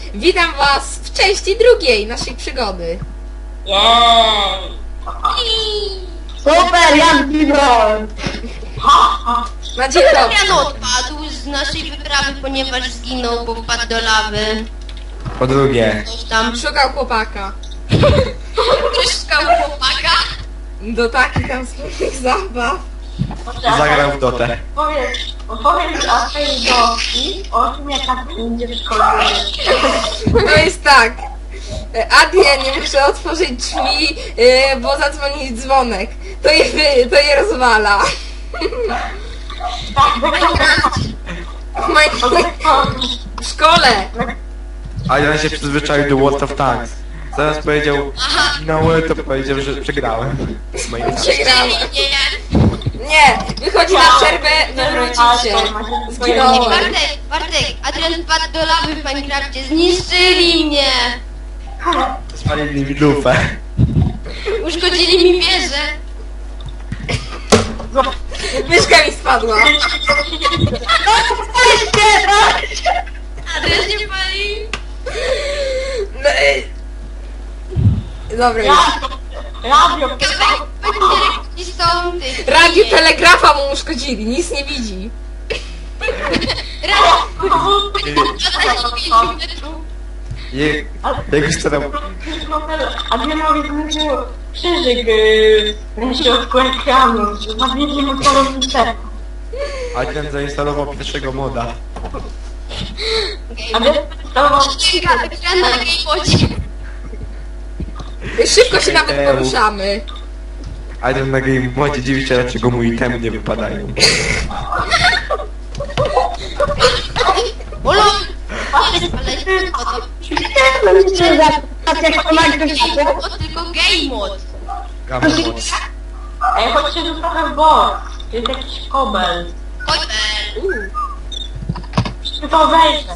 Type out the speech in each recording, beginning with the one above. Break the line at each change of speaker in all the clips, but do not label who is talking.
Witam was w części drugiej naszej przygody.
Super, jak zginąłem!
Na dzień dobry.
Jan odpadł z naszej wyprawy, ponieważ zginął, bo wpadł do lawy.
Po drugie,
Coś tam.
Szukał chłopaka.
Ktoś szukał chłopaka.
Do takich tam smutnych zabaw.
zagrał w dotę.
Opowiem o tej doki, o tym jak tak będzie w szkole.
To jest tak. Adrian nie muszę otworzyć drzwi, bo zadzwoni dzwonek. To je rozwala. W szkole.
A ja się przyzwyczaił do World of Tanks. Zaraz powiedział, no to powiedział, że przegrałem.
Przegrałem.
Nie.
Nie, wychodzi na przerwę, wywrócić się. Zginąłem.
Bartek, Adrian wpadł do lawy w Minecrafcie. Zniszczyli mnie.
Spalili mi lufę.
Uszkodzili mi wieżę.
Myszka mi spadła.
Adrian się pali.
No, dobra.
Radio,
I są tych.
Radio telegrafa mu uszkodzili, nic nie widzi.
Jego starał...
Adrianowi zniszczył krzyżyk na środku ekranu. Zawiedli mu telewizor.
Adrian zainstalował pierwszego moda.
Adrian instalował
Ekran na gamebocie.
Szybko się nawet poruszamy.
Adrian na game modzie dziwi się, dlaczego mu itemy nie wypadają.
Olo! Ale tylko game mod.
Gamma mod.
Ej, chodźcie tu trochę w bok. Jest jakiś kobel.
Chodź.
Czy to wejdę?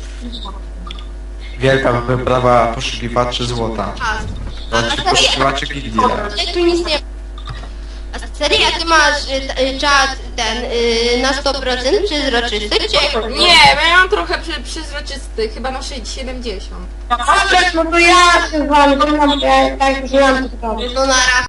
Wielka wyprawa poszukiwaczy złota. Znaczy poszukiwaczy gildii.
Ale tu nic nie. A serio, ty masz czat ten na 100% przezroczysty, czy jak?
Nie, bo ja mam trochę przezroczysty, chyba na 70.
No to ja się z wami, to mam tak, że mam to
No nara.